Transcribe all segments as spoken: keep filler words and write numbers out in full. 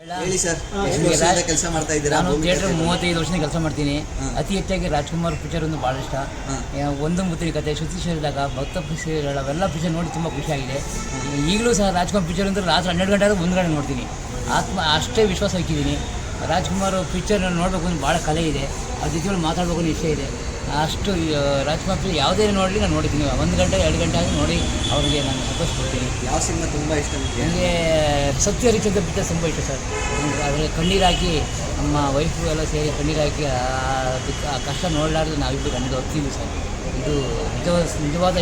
ಹೇಳಿ ಸರ್, ಎಷ್ಟು ವರ್ಷದಿಂದ ಕೆಲಸ ಮಾಡ್ತಾ ಇದ್ದೀರಾ? ನಾನು ಥಿಯೇಟರ್ ಮೂವತ್ತೈದು ವರ್ಷದಿಂದ ಕೆಲಸ ಮಾಡ್ತೀನಿ. ಅತಿ ಹೆಚ್ಚಾಗಿ ರಾಜ್ಕುಮಾರ್ ಪಿಕ್ಚರ್ ಒಂದು ಭಾಳ ಇಷ್ಟ. ಒಂದು ಮುತ್ತಿನ ಕತೆ, ಶ್ರುತಿ ಸೇರಿದಾಗ, ಭಕ್ತ ಪಿಕ್ಚರ್ ಅವೆಲ್ಲ ಪಿಕ್ಚರ್ ನೋಡಿ ತುಂಬ ಖುಷಿಯಾಗಿದೆ. ಈಗಲೂ ಸಹ ರಾಜ್ಕುಮಾರ್ ಪಿಕ್ಚರ್ ಅಂದರೆ ರಾತ್ರಿ ಹನ್ನೆರಡು ಗಂಟೆ ಆದರೂ ಒಂದು ಗಂಟೆ ನೋಡ್ತೀನಿ. ಆತ್ಮ ಅಷ್ಟೇ ವಿಶ್ವಾಸ ಹಾಕಿದ್ದೀನಿ. ರಾಜ್ಕುಮಾರ್ ಪಿಕ್ಚರ್ ನೋಡಬೇಕು ಅಂತ ಭಾಳ ಕಲೆ ಇದೆ. ಅದ್ರ ಜೊತೆ ಮಾತಾಡಬೇಕು ಅನ್ನೋ ಇಷ್ಟ ಇದೆ. ಅಷ್ಟು ರಾಜ್ಕುಮಾರ್ ಪಿಕ್ಚರ್ ಯಾವುದೇ ನೋಡಲಿ ನಾನು ನೋಡಿದ್ದೀನಿ. ಒಂದು ಗಂಟೆ ಎರಡು ಗಂಟೆ ಆಗಿ ನೋಡಿ ಅವ್ರಿಗೆ ನಾನು ಸಂತೋಷ ಕೊಡ್ತೀನಿ. ಯಾವ ಸಿನಿಮಾ ತುಂಬ ಇಷ್ಟ ನನಗೆ ಸತ್ಯ ಹರಿಶ್ಚಂದ್ರ ಪಿಕ್ಚರ್ ತುಂಬ ಇಷ್ಟ ಸರ್. ಅದರಲ್ಲಿ ಕಣ್ಣೀರು ಹಾಕಿ ನಮ್ಮ ವೈಫು ಎಲ್ಲ ಸೇರಿ ಕಣ್ಣೀರು ಹಾಕಿ ಆ ಕಷ್ಟ ನೋಡಲಾರ್ದು ನಾವಿಬ್ಬರು ಕಣ್ಣೀರು ಹೋಗ್ತೀವಿ ಸರ್. ಇದು ನಿಜವಾದ ನಿಜವಾದ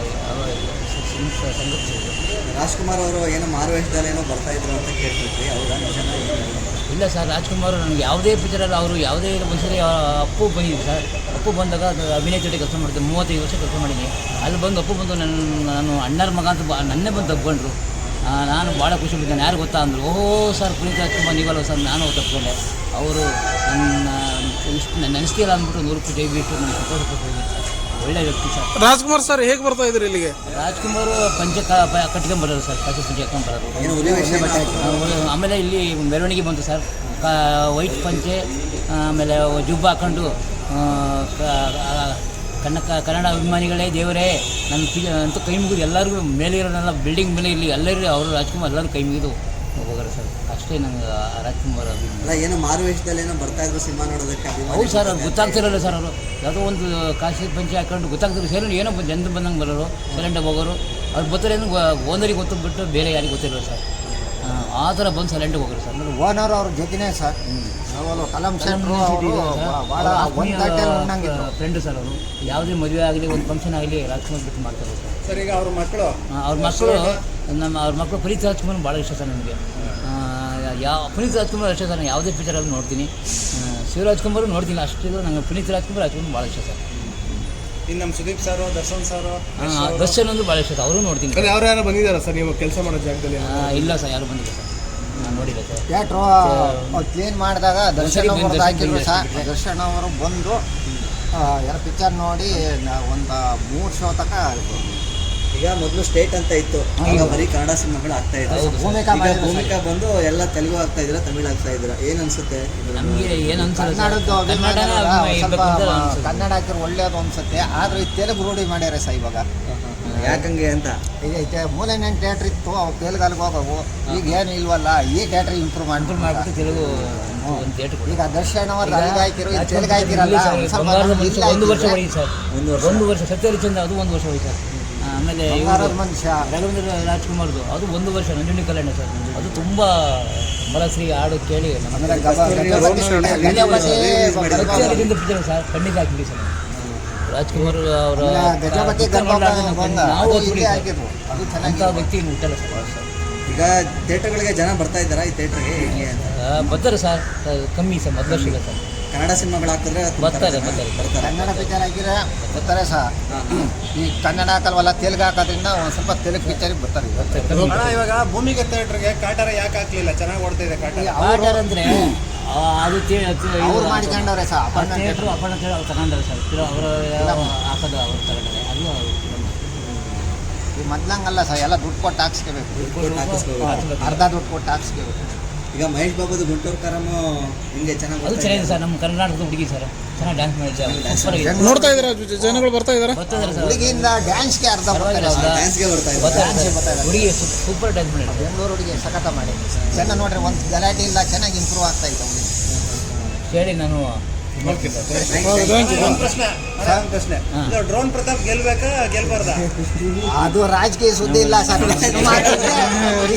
ಸಂಗತಿ. ರಾಜ್ಕುಮಾರ್ ಅವರು ಏನೋ ಮಾರುವೇಷದಲ್ಲಿ ಏನೋ ಬರ್ತಾ ಇದ್ರು ಅಂತ ಕೇಳ್ತಿದ್ವಿ, ಹೌದಾ? ಇಲ್ಲ ಸರ್, ರಾಜ್ಕುಮಾರ್ ನನಗೆ ಯಾವುದೇ ಪಿಕ್ಚರಲ್ಲಿ ಅವರು ಯಾವುದೇ ಒಂದ್ಸರಿ ಅಪ್ಪು ಬಂದಿದ್ದೆ ಸರ್. ಅಪ್ಪು ಬಂದಾಗ ಅದು ಅಭಿನಯ ಜೊತೆ ಕೆಲಸ ಮಾಡ್ತೀನಿ. ಮೂವತ್ತೈದು ವರ್ಷ ಕೆಲಸ ಮಾಡಿದ್ದೀನಿ. ಅಲ್ಲಿ ಬಂದು ಅಪ್ಪು ಬಂದು ನನ್ನ ನಾನು ಅಣ್ಣರ ಮಗ ಅಂತ ಬ ನನ್ನೇ ಬಂದು ತಗೊಂಡ್ರು. ನಾನು ಭಾಳ ಖುಷಿ ಬಿಟ್ಟಿದ್ದೇನೆ. ಯಾರು ಗೊತ್ತಾ ಅಂದರು, ಓಹೋ ಸರ್ ಪುನೀತ್ ರಾಜ್ಕುಮಾರ್ ನೀವಲ್ಲ ಸರ್. ನಾನು ತಪ್ಪಿಕೊಂಡೆ. ಅವರು ನನ್ನ ಇಷ್ಟು ನನ್ನ ನೆನೆಸ್ತೀರ ಅಂದ್ಬಿಟ್ಟು ನೂರು ರೂಪಾಯಿ ಜೈ ಬಿಟ್ಟು ನಾನು ಸಂತೋಷ ಪಟ್ಟಿದ್ದೀನಿ. ಒಳ್ಳೆ ವ್ಯಕ್ತಿ ಸರ್ ರಾಜ್ಕುಮಾರ್ ಸರ್. ಹೇಗೆ ಬರ್ತಾ ಇದ್ರಿ ಇಲ್ಲಿಗೆ? ರಾಜ್ಕುಮಾರ್ ಪಂಚೆ ಕಟ್ಕೊಂಬರೋರು ಸರ್, ಪಂಚೆ ಪಂಚೆ ಹಾಕೊಂಬರೋರು. ಆಮೇಲೆ ಇಲ್ಲಿ ಮೆರವಣಿಗೆ ಬಂತು ಸರ್. ಕ ವೈಟ್ ಪಂಚೆ, ಆಮೇಲೆ ಜುಬ್ಬ ಹಾಕೊಂಡು ಕನ್ನಡ ಕನ್ನಡ ಅಭಿಮಾನಿಗಳೇ ದೇವರೇ ನನ್ನ ಪಿ ಅಂತೂ ಕೈ ಮುಗಿದು ಎಲ್ಲರಿಗೂ ಮೇಲೆ ಇರೋನೆಲ್ಲ ಬಿಲ್ಡಿಂಗ್ ಮೇಲೆ ಇಲ್ಲಿ ಎಲ್ಲರೂ ಅವರು ರಾಜ್ಕುಮಾರ್ ಎಲ್ಲರೂ ಕೈ ಮುಗಿದು ಹೋಗೋರು ಸರ್. ಅಷ್ಟೇ ನಂಗೆ ರಾಜ್ಕುಮಾರ್ ಅಭಿಮಾನ. ಏನೋ ಮಾರುವೇಷದಲ್ಲಿ ಏನೋ ಬರ್ತಾ ಇದ್ರು ಸಿನಿಮಾ ನೋಡೋದಕ್ಕೆ. ಹೌದು ಸರ್, ಅವ್ರು ಗೊತ್ತಾಗ್ತಿರಲ್ಲ ಸರ್. ಅವರು ಯಾವುದೋ ಒಂದು ಕಾಶಿ ಪಂಚೆ ಹಾಕೊಂಡು ಗೊತ್ತಾಗ್ತಿರೋ ಸೇರಿ ಏನೋ ಜನ ಬಂದಂಗೆ ಬರೋರು, ಸೈಲೆಂಟಾಗಿ ಹೋಗೋರು. ಅವ್ರು ಬರ್ತಾರೆ ಏನು ಓನರಿಗೆ ಗೊತ್ತು ಬಿಟ್ಟು ಬೇರೆ ಯಾರಿಗೆ ಗೊತ್ತಿರೋರು ಸರ್. ಆ ಥರ ಬಂದು ಸೈಲೆಂಟಾಗಿ ಹೋಗೋರು ಸರ್. ಓನರ್ ಅವ್ರ ಜೊತೆನೇ ಸರ್. ಕಲಂ ಫ್ರೆಂಡು ಸರ್ ಅವರು. ಯಾವುದೇ ಮದುವೆ ಆಗಲಿ ಒಂದು ಫಂಕ್ಷನ್ ಆಗಲಿ ರಾಜ್ಕುಮಾರ್ ಬಿಟ್ಟು ಮಾಡ್ತಾರೆ ಸರ್. ಸರ್ ಈಗ ಅವ್ರ ಮಕ್ಕಳು ಅವ್ರ ಮಕ್ಕಳು ನಮ್ಮ ಅವ್ರ ಮಕ್ಕಳು ಪುನೀತ್ ರಾಜ್ಕುಮಾರ್ ಭಾಳ ಇಷ್ಟ ಸರ್ ನನಗೆ. ಯಾವ ಪುನೀತ್ ರಾಜ್ಕುಮಾರ್ ಅಷ್ಟೇ ಸರ್. ನಾನು ಯಾವುದೇ ಪಿಕ್ಚರಲ್ಲಿ ನೋಡ್ತೀನಿ. ಶಿವರಾಜ್ಕುಮಾರು ನೋಡ್ತೀನಿ ಅಷ್ಟಿಲ್ಲ. ನಂಗೆ ಪುನೀತ್ ರಾಜ್ಕುಮಾರ್ ರಾಜ್ಕುಮಾರ್ ಭಾಳ ಇಷ್ಟ ಸರ್. ಇನ್ನು ನಮ್ಮ ಸುದೀಪ್ ಸರ್, ದರ್ಶನ್ ಸರ್, ದರ್ಶನ್ ಒಂದು ಭಾಳ ಇಷ್ಟ ಸರ್. ಅವರು ನೋಡ್ತೀನಿ. ಅವ್ರು ಯಾರು ಬಂದಿದ್ದಾರಾ ಸರ್ ನೀವು ಕೆಲಸ ಮಾಡೋ ಜಾಗದಲ್ಲಿ? ಇಲ್ಲ ಸರ್, ಯಾರು ಬಂದಿಲ್ಲ ಸರ್. ನಾನು ನೋಡಿಲ್ಲ ಸರ್. ಥಿಯೇಟ್ರು ಕ್ಲೀನ್ ಮಾಡಿದಾಗ ದರ್ಶನ್ ಅವ್ರದ್ದು ಹಾಕಿದ್ರು ಸರ್. ದರ್ಶನ್ ಅವರು ಬಂದು ಎಲ್ಲ ಪಿಕ್ಚರ್ ನೋಡಿ ಒಂದು ಮೂರು ಶೋ ತನಕ. ಈಗ ಮೊದಲು ಸ್ಟೇಟ್ ಅಂತ ಇತ್ತು, ಈಗ ಬರೀ ಕನ್ನಡ ಸಿನಿಮಾಗಳು ಆಗ್ತಾ ಇದ್ರು. ಭೂಮಿಕಾ ಭೂಮಿಕಾ ಬಂದು ಎಲ್ಲ ತೆಲುಗು ಆಗ್ತಾ ಇದ್ರ, ತಮಿಳು ಆಗ್ತಾ ಇದ್ರ. ಏನ್ ಅನ್ಸುತ್ತೆ ನಮಗೆ? ಏನು ಕನ್ನಡದ್ದು ಕನ್ನಡ ಹಾಕಿರೋ ಒಳ್ಳೇದು ಅನ್ಸುತ್ತೆ. ಆದ್ರೆ ಈ ತೆಲುಗು ರೂಢಿ ಮಾಡ್ಯಾರ ಸರ್ ಇವಾಗ. ಯಾಕಂಗೆ ಅಂತ ಈಗ ಮೂಲೆನೇನು ಥಿಯೇಟ್ರ್ ಇತ್ತು, ಅವು ತೆಲುಗಲ್ಲಿಗೆ ಹೋಗವು. ಈಗ ಏನು ಇಲ್ವಲ್ಲ, ಈ ಥಿಯೇಟ್ರ್ ಇಂಪ್ರೂವ್ ಮಾಡ್ಕೊಂಡು ಮಾಡಿಬಿಟ್ಟು ತೆಲುಗು ಈಗ ದರ್ಶನ್ ಅವರು ತೆಲುಗು ಹಾಕಿರೋ ತೆಲುಗು ಹಾಕಿರಲ್ಲ. ಒಂದು ವರ್ಷ ಹೋಗಿ ಸರ್. ಒಂದು ವರ್ಷ ಸತ್ಯ ಹರಿಶ್ಚಂದ್ರ ಅದು ಒಂದು ವರ್ಷ ಹೋಗಿ ಸರ್. ಆಮೇಲೆ ಮನುಷ್ಯ ರಾಘವೇಂದ್ರ ರಾಜ್ಕುಮಾರ್ದು ಅದು ಒಂದು ವರ್ಷ. ನಂಜುಂಡಿ ಕಲ್ಯಾಣ ಸರ್, ಅದು ತುಂಬ ಮಲಶ್ರೀ ಹಾಡು ಕೇಳಿ ಪಿಕ್ಚರ್ ಸರ್. ಖಂಡಿತ ಹಾಕಿದ್ವಿ ಸರ್. ರಾಜ್ಕುಮಾರ್ ಅವರ ನಾವು ಅಂಥ ವ್ಯಕ್ತಿ ಹುಟ್ಟಲ್ಲ ಸರ್. ಈಗ ಥಿಯೇಟರ್ಗಳಿಗೆ ಜನ ಬರ್ತಾ ಇದ್ದಾರಾ ಈ ಥಿಯೇಟರ್ಗೆ? ಹೇಗೆ ಅಂತ ಬರ್ತಾರೆ ಸರ್, ಕಮ್ಮಿ ಸರ್. ಮೊದಲು ವರ್ಷ ಸರ್ ಕನ್ನಡ ಸಿನಿಮಾಗಳು ಹಾಕಿದ್ರೆ ಬರ್ತಾರೆ ಬರ್ತಾರೆ ಬರ್ತಾರೆ ಕನ್ನಡ ಪಿಕ್ಚರ್ ಹಾಕಿದ್ರೆ ಬರ್ತಾರೆ ಸರ್. ಈ ಕನ್ನಡ ಹಾಕಲ್ವಲ್ಲ, ತೆಲುಗು ಹಾಕೋದ್ರಿಂದ ಒಂದು ಸ್ವಲ್ಪ ತೆಲುಗು ಪಿಕ್ಚರಿಗೆ ಬರ್ತಾರೆ. ಇವಾಗ ಭೂಮಿಗೆ ಥಿಯೇಟರ್ಗೆ ಕಾಟಾರ ಯಾಕೆ ಹಾಕ್ಲಿಲ್ಲ? ಚೆನ್ನಾಗಿ ಓಡ್ತಾ ಇದೆ ಕಾಟಾರ. ಕಾಟಾರ ಅಂದರೆ ಅದು ಅವ್ರು ಮಾಡಿಕೊಂಡವ್ರೆ ಸರ್. ಥಿಯೇಟ್ರು ಅಪ್ಪಣ್ಣ ಅವ್ರು ತಗೊಂಡ್ರೆ ಸರ್. ಅವರ ಹಾಕೋದು ಅವ್ರು ತಗೊಂಡ್ರೆ ಅದು ಈ ಮೊದ್ಲಂಗಲ್ಲ ಸರ್. ಎಲ್ಲ ದುಡ್ಡು ಕೊಟ್ಟು ಹಾಕ್ಸ್ಕೋಬೇಕು. ಅರ್ಧ ದುಡ್ಡು ಕೊಟ್ಟು ಹಾಕ್ಸ್ಕೋಬೇಕು. ಈಗ ಮಹೇಶ್ ಬಾಬುದು ಗುಂಟೂರು ಕಾರಮ್ಮ ಹಿಂಗೆ ಚೆನ್ನಾಗಿ ಅದು ಚೆನ್ನಾಗಿದೆ ಸರ್. ನಮ್ಮ ಕರ್ನಾಟಕದ ಹುಡುಗಿ ಸರ್, ಚೆನ್ನಾಗಿ ಡ್ಯಾನ್ಸ್ ಮಾಡಿದ್ದಾರೆ. ನೋಡ್ತಾ ಇದ್ದಾರೆ, ಜನಗಳು ಬರ್ತಾ ಇದ್ದಾರೆ. ಬರ್ತಿದ್ದಾರೆ ಸರ್. ಹುಡುಗಿಯಿಂದ ಡ್ಯಾನ್ಸ್ಗೆ ಅರ್ಧ ಡ್ಯಾನ್ಸ್ಗೆ ಬರ್ತಾ ಇದ್ದಾರೆ. ಹುಡುಗಿ ಸೂಪರ್ ಡ್ಯಾನ್ಸ್ ಮಾಡಿದ್ದಾರೆ. ಬೆಂಗಳೂರು ಹುಡುಗಿ ಸಖತ ಮಾಡಿ ಚೆನ್ನಾಗಿ ನೋಡ್ರಿ. ಒಂದು ಗಲಾಟೆ ಇಲ್ಲ, ಚೆನ್ನಾಗಿ ಇಂಪ್ರೂವ್ ಆಗ್ತಾ ಇತ್ತು ಹುಡುಗಿ. ಹೇಳಿ ನಾನು ಡ್ರೋನ್ ಪ್ರತಾಪ್ ಗೆಲ್ಬೇಕಾ ಗೆಲ್ಬಾರ್ದ? ಅದು ರಾಜಕೀಯ ಸುದ್ದಿ ಇಲ್ಲ ಸರ್.